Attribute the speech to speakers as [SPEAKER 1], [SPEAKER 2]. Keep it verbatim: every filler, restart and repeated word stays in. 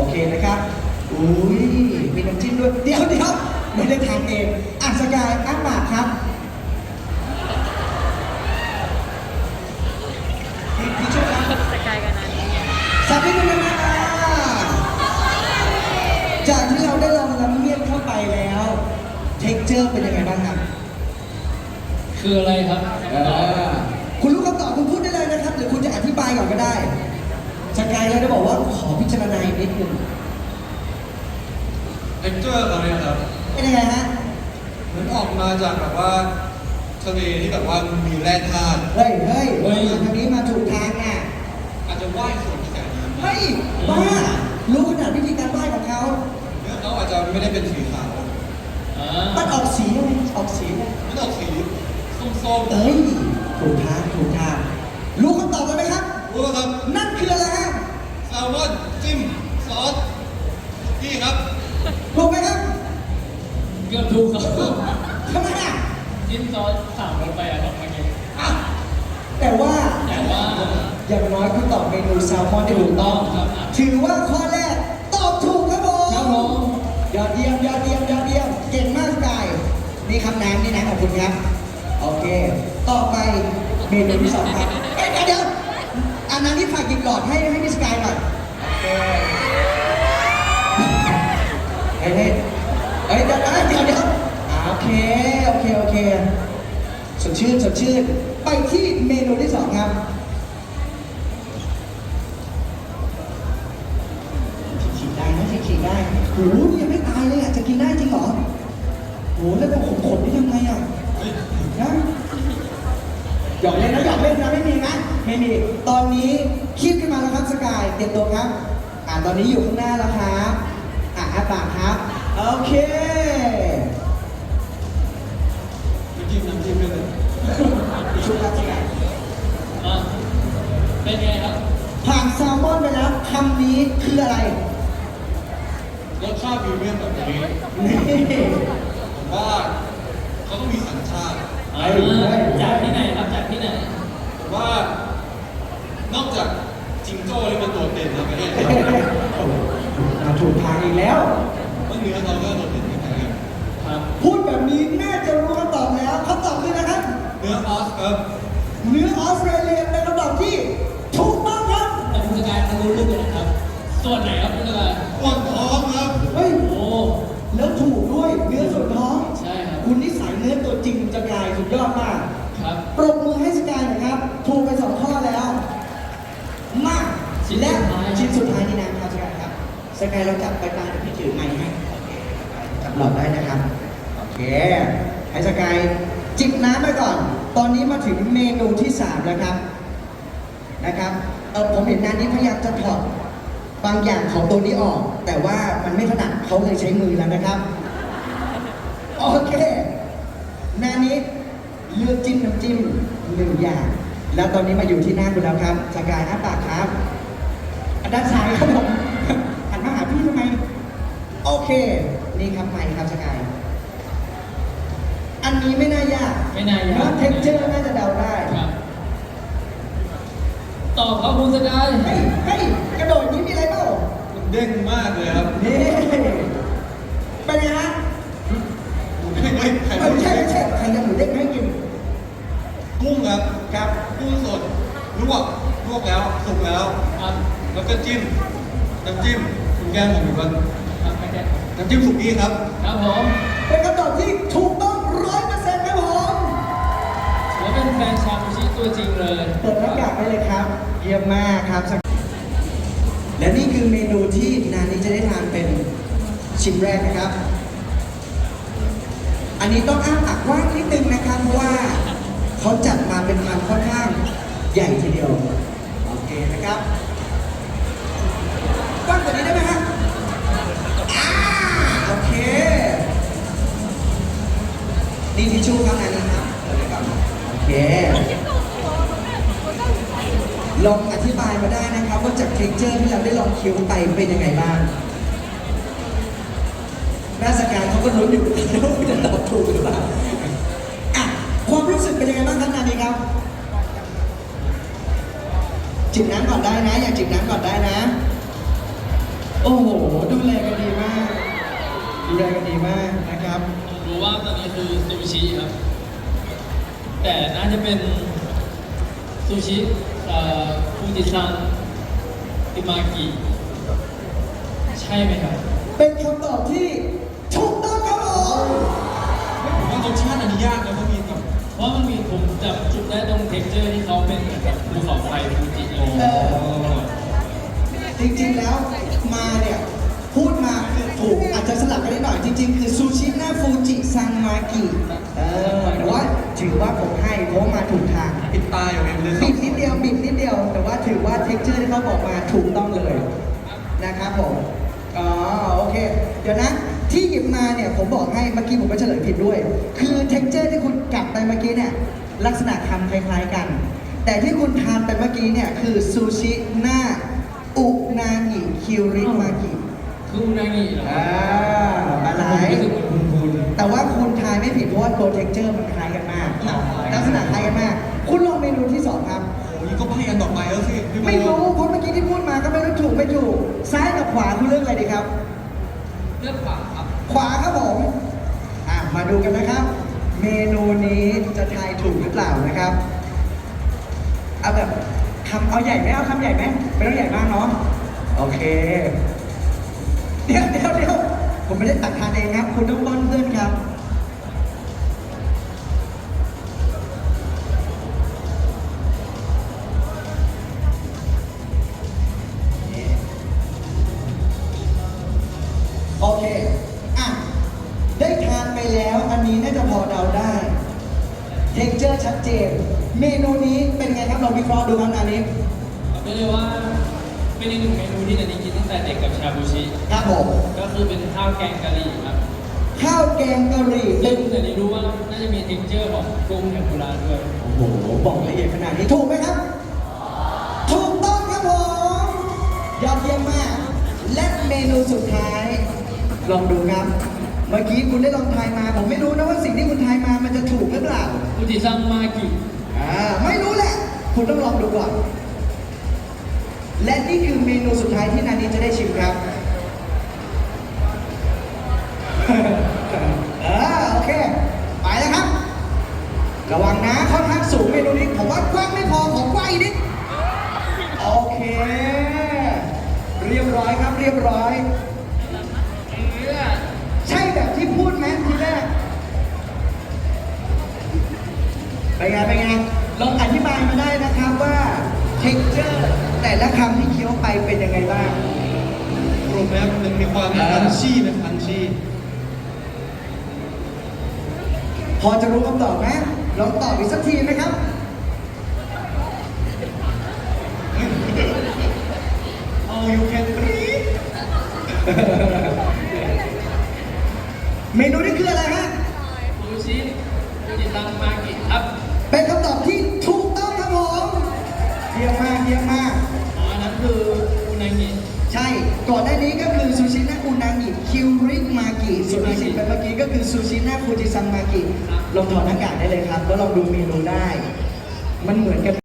[SPEAKER 1] เคนะครับอุ้ยมีน้ำจิ้มด้วยเดี๋ยวเดี๋ยวไม่ได้ทานเองอ่ะสกายอ้าปากครับพี่พี่ช่วยครับ
[SPEAKER 2] สกายกันนะ
[SPEAKER 1] สับนิดนึงนะจากที่เราได้ลองน้ำเมี่ยงเข้าไปแล้วเท็กเจอร์เป็นยังไงบ้างครับ
[SPEAKER 3] คืออะไรครับ
[SPEAKER 1] เออคุณรู้คำตอบคุณพูดได้เลยนะครับ หรือคุณจะอธิบายก่อนก็ได้สกายเลยจะบอกว่าขอพิจารณาอีกนิดนึง
[SPEAKER 4] เท็กเจอร์เขาเนี่ยครับ
[SPEAKER 1] เป็นยังไงฮะ
[SPEAKER 4] เหมือนออกมาจากแบบว่าทะเลที่แบบว่ามีแร่ธาตุ
[SPEAKER 1] เฮ้ยเฮ้ยมาทางนี้มาถูกทางอ่ะ
[SPEAKER 4] อาจจะว่ายสวนกระแสน้ำ
[SPEAKER 1] เฮ้ยบ้ารู้ขนาดวิธีการไหว้ของเขา
[SPEAKER 4] เนื้อเขาอาจจะไม่ได้เป็นสีขาว
[SPEAKER 3] อ่า
[SPEAKER 1] มันออกสีอะไรออกสีอะไร
[SPEAKER 4] มันออกสีส้ม
[SPEAKER 1] เอ้ยถูกทางถูกทางรู้คำตอบกันไหมครับ
[SPEAKER 4] ๆรู้ป่ะครับ
[SPEAKER 1] นั่นคืออะไรฮะ
[SPEAKER 4] แซลมอนจิ้มซอสนี่ครับ
[SPEAKER 1] ถูกไหมครับ
[SPEAKER 3] เกือบถูกครับ
[SPEAKER 1] ทำไมอ่ะ
[SPEAKER 3] จิ้มซอสสามรสไปอะครับเมื่อกี้
[SPEAKER 1] อ่ะแต่ว่า
[SPEAKER 3] แต่ว่า
[SPEAKER 1] อย่างน้อยคุณตอบเมนูแซลมอนได้ถูกต้อง
[SPEAKER 3] ครับ
[SPEAKER 1] ถือว่าข้อแรกตอบถูกครับผม
[SPEAKER 3] ครับผม
[SPEAKER 1] ยอดเยี่ยมยอดเยี่ยมยอดเยี่ยมเก่งมากกายนี่คำน้ำนี่นะขอบคุณครับโอเค ต่อไปเมนูที่สองครับเอ้ยเดี๋ยวเดี๋ยวอันนั้นที่ฝากหยิบหลอดให้ให้พี่สกายหน่อยโอเคเฮ้ยเฮ้ยเฮ้ยเดี๋ยวเดี๋ยวเดี๋ยวเดี๋ยวอ่าโอเคโอเคโอเคสดชื่นสดชื่นไปที่เมนูที่สองครับฉีกได้นะฉีกได้โหนี่ยังไม่ตายเลยอ่ะจะกินได้จริงเหรอโหแล้วก็ขมๆนี่ทำไงอ่ะ
[SPEAKER 4] เฮ้ย
[SPEAKER 1] นะหยอกเล่นนะหยอกเล่นนะไม่มีนะไม่มีตอนนี้คีบขึ้นมาแล้วครับสกายเตรียมตัวครับอ่าตอนนี้อยู่ข้างหน้าแล้วครับอ่าอ้าปากครับโอเค
[SPEAKER 4] ไม่จิ้มน้ำจิ้มด้วยเลย
[SPEAKER 1] ชุดครับสกาย
[SPEAKER 3] อ่ะเป็นไงครับ
[SPEAKER 1] ผ่านแซลมอนไปแล้วคำนี้คืออะไร
[SPEAKER 4] รสชาติพรีเมียมแบบนี้
[SPEAKER 1] นี่
[SPEAKER 4] ผมว่าเขาต้องมีสัญชาติ
[SPEAKER 3] อ่าจากที่ไหนครับจากที่ไหน
[SPEAKER 4] ผมว่านอกจากจิงโจ้ที่เป็นตัวเด่นในประเทศไทย
[SPEAKER 1] อ่าถูกทางอีกแล้ว
[SPEAKER 4] ว่าเนื้อเขาก็โดดเด่นไม่แพ้กัน
[SPEAKER 3] ครับ
[SPEAKER 1] พูดแบบนี้น่าจะรู้คำตอบแล้วคำตอบคือนะครับ
[SPEAKER 4] เนื้อออสครับ
[SPEAKER 1] เนื้อออสเตรเลียเป็นคำตอบที่ถูกต้องครับ
[SPEAKER 3] แต่คุณสกายเขารู้ลึกเลยนะครับ ส่วนไหนครับคุณสกาย
[SPEAKER 4] ปวดท้องครับ
[SPEAKER 1] เฮ้ย
[SPEAKER 3] โอ้
[SPEAKER 1] แล้วถูกด้วยเนื้อส่วนท้อง
[SPEAKER 3] ใช่ครับ
[SPEAKER 1] คุณนิสัยเนื้อตัวจริงจะกลายสุดยอดมาก
[SPEAKER 3] ครับ
[SPEAKER 1] ปรบมือให้สกายหนะครับ ถูกไปสองข้อแล้ว มาก
[SPEAKER 3] ชิ้น
[SPEAKER 1] และ
[SPEAKER 3] สุดท้าย
[SPEAKER 1] ชิ้นสุดท้ายนี่นะครับสกายครับสกายเราจับไปตาเดี๋ยวพี่ถือไมค์ให้โอเคจับหลอดได้นะครับโอเคให้สกายจิบน้ำไปก่อน ตอนนี้มาถึงเมนูที่สามแล้วครับนะครับเออผมเห็นนานนี้พยายามจะถอดบางอย่างของตัวนี้ออก แต่ว่ามันไม่ถนัดเขาเลยใช้มือแล้วนะครับ โอเคนานี้เลือกจิ้มน้ำจิ้มหนึ่งอย่าง แล้วตอนนี้มาอยู่ที่หน้าคุณแล้วครับสกายอ้าปากครับอันด้านซ้ายครับผม หันมาหาพี่ทำไม โอเค นี่ครับไมค์ครับสกาย อันนี้ไม่น่ายาก
[SPEAKER 3] ไม่น่ายาก
[SPEAKER 1] เพราะเท็กเจอร์น่าจะเดาได้
[SPEAKER 3] ครับตอบครับคุณสกาย
[SPEAKER 1] เฮ้ยเฮ้ยกระโดดนี้มีอะไรเปล่า
[SPEAKER 4] มันเด้งมากเลยครับ
[SPEAKER 1] นี่เป็นไงฮะ
[SPEAKER 4] ไม่ไม่ไข่
[SPEAKER 1] เออใช่ใช่ใครจะหมูเด้งให้กิน
[SPEAKER 4] กุ้งครับ
[SPEAKER 1] ครับ
[SPEAKER 4] กุ้งสดลวกลวกแล้วสุกแล้ว
[SPEAKER 3] ครับ
[SPEAKER 4] แล้วก็จิ้มน้ำจิ้มคุณแก้มผมอยู่กัน
[SPEAKER 3] ครับไม่ได้
[SPEAKER 4] น้ำจิ้มสุกี้ครับ
[SPEAKER 3] ครับผม
[SPEAKER 1] เป็นคำตอบที่ถูกต้องร้อยเปอร์เซ็นต์ครับผม
[SPEAKER 3] ถือว่าเป็นแฟนชาบูชิตัวจริงเลย
[SPEAKER 1] เปิดหน้ากากได้เลยครับ เยี่ยมมากครับ และนี่คือเมนูที่นานนี้จะได้ทานเป็นชิ้นแรกนะครับ อันนี้ต้องอ้าปากกว้างนิดนึงนะครับ เพราะว่าเขาจัดมาเป็นคำค่อนข้างใหญ่ทีเดียว โอเคนะครับกว้างกว่านี้ได้ไหมฮะอ่าโอเค นี่ทิชชู่ครับนานนี้ครับเอาเลยครับโอเค ลองอธิบายมาได้นะครับว่าจากเท็กเจอร์ที่เราได้ลองเคี้ยวไปเป็นยังไงบ้างหน้าสกายเขาก็ลุ้นอยู่ ว่าจะตอบถูกหรือเปล่าอ่ะความรู้สึกเป็นยังไงบ้างครับนานีครับจิบน้ำก่อนได้นะ อยากจิบน้ำก่อนได้นะโอ้โห ดูแลกันดีมาก ดูแลกันดีมากนะครับ
[SPEAKER 3] ผมรู้ว่าตอนนี้คือซูชิครับ แต่น่าจะเป็นซูชิเอ่อฟูจิซังอิมากิใช่ไหมครับ
[SPEAKER 1] เป็นคำตอบที่ถูกต้องครับผม
[SPEAKER 4] ผมว่ารสชาติอันนี้ยากนะเพราะมีแบบ
[SPEAKER 3] เพราะมันมีผมจับจุดได้ตรงเท็กเจอร์ที่เขาเป็นเหมือนกับภูเขาไฟฟูจิอะไรอย่าง
[SPEAKER 1] เอ
[SPEAKER 3] เงี้ย
[SPEAKER 1] อจริงๆแล้วมาเนี่ย พูดมาคือถูกอาจจะสลับกันนิดหน่อย จริงๆ คือซูชิหน้าฟูจิซังมากิเออแต่ว่าถือว่าผมให้เพราะว่ามาถูกทาง
[SPEAKER 4] ปิดตาอยู่เองเลย
[SPEAKER 1] บิดนิดเดียวบิดนิดเดียว แต่ว่าถือว่าเท็กเจอร์ที่เขาบอกมาถูกต้องเลยนะครับผมอ๋อโอเค เดี๋ยวนะ ที่หยิบมาเนี่ยผมบอกให้เมื่อกี้ผมก็เฉลยผิดด้วย คือเท็กเจอร์ที่คุณกัดไปเมื่อกี้เนี่ยลักษณะคำคล้ายๆกัน แต่ที่คุณทานไปเมื่อกี้เนี่ยคือซูชิหน้าอุนางิคิริมากิ
[SPEAKER 3] คืออุนางิเหรอ
[SPEAKER 1] อ่าอะไร
[SPEAKER 3] ผมรู้สึกเหมือนคุณคุณ
[SPEAKER 1] แต่ว่าคุณทายไม่ผิดเพราะว่าตัวเท็กเจอร์มันคล้ายกันมากลักษณะคล้ายกันมาก คุณลองเมนูที่สองครับ
[SPEAKER 4] โอ้ยก็ใบ้อันต่อไปแล้วสิพี่โบ
[SPEAKER 1] ไม่รู้เพราะเมื่อกี้ที่พูดมาก็ไม่รู้ถูกไม่ถูก ซ้ายกับขวาคุณเลือกอะไรดีครับ
[SPEAKER 3] เลือกขวาครับ
[SPEAKER 1] ขวาครับผมอ่ะมาดูกันนะครับ เมนูนี้จะทายถูกหรือเปล่านะครับ เอาแบบคำเอาใหญ่ไหมเอาคำใหญ่ไหมไม่ต้องใหญ่มากเนาะโอเค เดี๋ยวเดี๋ยวเดี๋ยวผมไม่ได้ตักทานเองครับ คุณต้องป้อนเพื่อนครับ โอเค อ่ะ ได้ทานไปแล้ว อันนี้น่าจะพอเดาได้ เท็กเจอร์ชัดเจน เมนูนี้เป็นไงครับ เราวิเคราะห์ดูครับอันนี้
[SPEAKER 3] ไม่เลยว่าเป็นอีกหนึ่งเมนูที่นันนี้กินตั้งแต่เด็กกับชาบูชิ
[SPEAKER 1] ครับผม
[SPEAKER 3] ก็คือเป็นข้าวแกงกะหรี่ครับ
[SPEAKER 1] ข้าวแกงกะหรี่
[SPEAKER 3] ซึ่งนันนี้รู้ว่าน่าจะมีเท็กเจอร์ของกุ้งเทมปุระด้วย
[SPEAKER 1] โอ้โห บอกละเอียดขนาดนี้ถูกไหมครับ ถูกต้องครับผมยอดเยี่ยมมาก และเมนูสุดท้าย ลองดูครับ เมื่อกี้คุณได้ลองทายมา ผมไม่รู้นะว่าสิ่งที่คุณทายมามันจะถูกหรือเปล่า
[SPEAKER 3] ฟูจิซังมากิ
[SPEAKER 1] อ่า ไม่รู้แหละ คุณต้องลองดูก่อน และนี่คือเมนูสุดท้ายที่นานี้จะได้ชิมครับ เออโอเค ไปแล้วครับ ระวังนะค่อนข้างสูงเมนูนี้ ผมว่ากว้างไม่พอขอกว้างอีกนิด โอเค เรียบร้อยครับเรียบร้อย ใช่แบบที่พูดไหมทีแรกเป็นไงเป็นไงลองอธิบายมาได้นะครับว่าเท็กเจอร์แต่ละคำที่เคี้ยวไปเป็นยังไงบ้าง
[SPEAKER 4] กลุ่มนี้มันมีความคันชี่นะคันชี่
[SPEAKER 1] พอจะรู้คำตอบไหมลองตอบอีกสักทีไหมครับ
[SPEAKER 4] All you can breathe
[SPEAKER 1] เมนูนี้คืออะไรฮะ
[SPEAKER 3] ซูชิฟูจิซังมากิครับ
[SPEAKER 1] เป็นคำตอบที่ถูกต้องครับผมเยี่ยมมากเยี่ยมมาก
[SPEAKER 3] อ๋ออันนั้นคืออุนางิ
[SPEAKER 1] ใช่ ก่อนหน้านี้ก็คือซูชิหน้าอุนางิคิวริมากิส่วนที่สิบไปเมื่อกี้ก็คือซูชิหน้าฟูจิซังมากิลองถอดหน้ากากได้เลยครับแล้วลองดูเมนูได้ มันเหมือนกัน